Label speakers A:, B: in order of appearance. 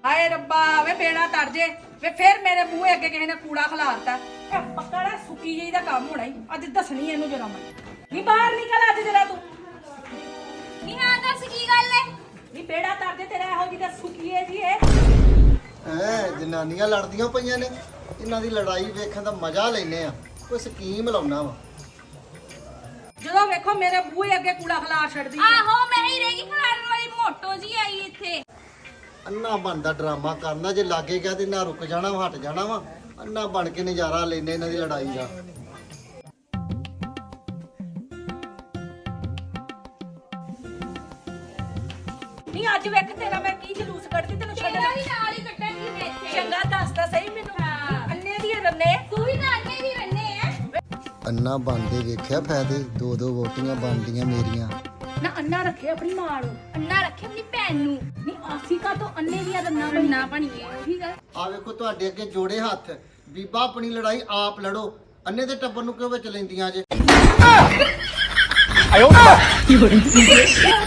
A: ਹਾਏ ਰੱਬਾ ਵੇ ਬੇੜਾ ਤਰ ਜੇ ਵੇ ਫੇਰ ਮੇਰੇ ਬੂਹੇ ਅੱਗੇ ਕਿਸੇ ਨੇ ਕੂੜਾ ਖਲਾਰਤਾ ਇਹ ਪੱਕਾ ਨਾ ਸੁੱਕੀ ਜਿਹੀ ਦਾ ਕੰਮ ਹੋਣਾ ਹੀ ਅੱਜ ਦੱਸਣੀ ਇਹਨੂੰ ਜਰਾ ਮੈਂ ਨਹੀਂ ਬਾਹਰ ਨਿਕਲ ਅੱਜ ਜਰਾ ਤੂੰ
B: ਨਹੀਂ ਹਾਂ ਦੱਸ ਕੀ ਗੱਲ ਹੈ
A: ਨਹੀਂ ਬੇੜਾ ਤਰ ਜੇ ਤੇਰਾ ਇਹੋ ਜਿਹੀ ਦਾ ਸੁੱਕੀਏ ਜੀ ਇਹ
C: ਜਨਾਨੀਆਂ ਲੜਦੀਆਂ ਪਈਆਂ ਨੇ ਇਹਨਾਂ ਦੀ ਲੜਾਈ ਵੇਖਣ ਦਾ ਮਜ਼ਾ ਲੈਨੇ ਆ ਕੋਈ ਸਕੀਮ ਲਾਉਣਾ ਵਾ
A: ਜਦੋਂ ਵੇਖੋ ਮੇਰੇ ਬੂਹੇ ਅੱਗੇ ਕੂੜਾ ਖਲਾਰ ਛੱਡਦੀ
B: ਆਹੋ ਮੈਂ ਹੀ ਰਹਿ ਗਈ ਖਲਾਰਨ ਵਾਲੀ ਮੋਟੋ ਜੀ ਆਈ ਇੱਥੇ
C: ਅੰਨਾ ਬਣਦਾ ਡਰਾਮਾ ਕਰਨਾ ਜੇ ਲਾਗੇ ਗਿਆ ਤੇ ਨਾ ਰੁਕ ਜਾਣਾ ਵਾ ਹਟ ਜਾਣਾ ਵਾ ਅੰਨਾ ਬਣ ਕੇ ਨਜ਼ਾਰਾ ਲੈਨੇ ਇਹਨਾਂ ਦੀ ਲੜਾਈ ਦਾ
A: ਨਹੀਂ ਅੱਜ ਵੇਖ ਤੇਰਾ ਮੈਂ ਕੀ ਜਲੂਸ ਕੱਢਦੀ ਤੈਨੂੰ
B: ਤੇਰਾ
A: ਛੱਡਣਾ
B: ਵੀ ਨਾਲ ਹੀ ਕੱਟਾਂਗੀ ਮੈਂ ਇੱਥੇ
A: ਚੰਗਾ ਦੱਸਦਾ ਸਹੀ ਮੈਨੂੰ
B: ਹਾਂ।
A: ਅੰਨੇ ਦੀ ਰੰਨੇ
B: ਤੂੰ ਵੀ ਤਾਂ ਅੰਨੇ ਹੀ ਰਹਿੰਦੇ ਆ
C: ਅੰਨਾ ਬਣਦੇ ਵੇਖਿਆ ਫਾਇਦੇ ਦੋ ਦੋ ਵੋਟੀਆਂ ਬਣਦੀਆਂ ਮੇਰੀਆਂ
A: ਨਾ ਅੰਨਾ ਰੱਖੇ ਆਪਣੀ ਮਾਂ ਨੂੰ
B: ਅੰਨਾ ਰੱਖੇ ਆਪਣੀ ਭੈਣ ਨੂੰ
A: ਨਹੀਂ ਆਸੀ ਕਾ ਤੋਂ ਅੰਨੇ ਦੀਆਂ ਰੰਨਾਂ
B: ਅੰਨਾ ਬਣੀਏ ਉਹੀ ਗੱਲ
C: ਆ ਵੇਖੋ ਤੁਹਾਡੇ ਅੱਗੇ ਜੋੜੇ ਹੱਥ ਬੀਬਾ ਆਪਣੀ ਲੜਾਈ ਆਪ ਲੜੋ ਅੰਨੇ ਦੇ ਟੱਬਰ ਨੂੰ ਕਿਉਂ ਵਿੱਚ ਲੈਂਦੀਆਂ ਜੇ